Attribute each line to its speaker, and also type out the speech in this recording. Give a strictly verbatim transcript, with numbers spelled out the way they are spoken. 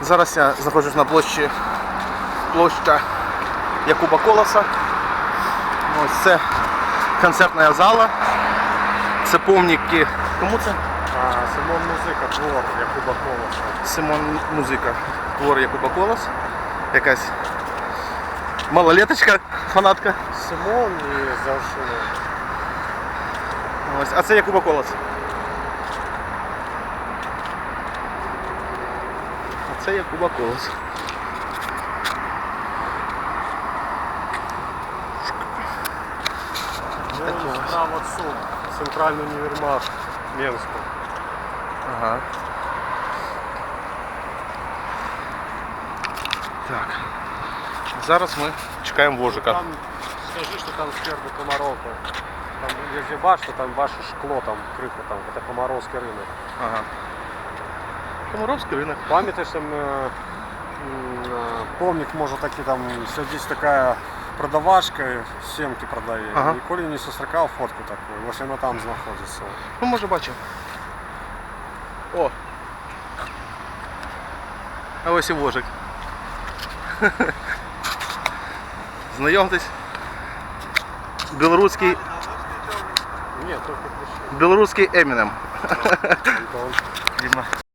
Speaker 1: Зараз я знаходжусь на площі площа Якуба Колоса. Ось це концертна зала. Це помніки. Кому це?
Speaker 2: А, Симон Музика, твор Якуба Колоса.
Speaker 1: Симон Музика, твор Якуба Колос. Якась малолеточка, фанатка.
Speaker 2: Симон і завжди.
Speaker 1: Ось, а це Якуба Колос. А це Якуба Колос.
Speaker 2: Ну, справа суд. Центральний універмаг Менську.
Speaker 1: Ага. Так. Зараз ми чекаємо вожика.
Speaker 2: Там, скажи, что там сверху Комаровка. Там, если башня, там ваше шкло, там крыха, там, это Комаровский рынок.
Speaker 1: Ага. Комаровський ринок.
Speaker 2: Памятаешь, там э, э, помник, может, таки там, здесь такая продавашка, семки продає.
Speaker 1: Ага.
Speaker 2: Ніколи не зустрікав фотку таку, ось вона там знаходиться.
Speaker 1: Ну, може бачив. О! А ось і вожик. Знайомтесь. Білоруський,
Speaker 2: Ні, тільки прийшли.
Speaker 1: білоруський Емінем.
Speaker 2: Антон.
Speaker 1: Діма.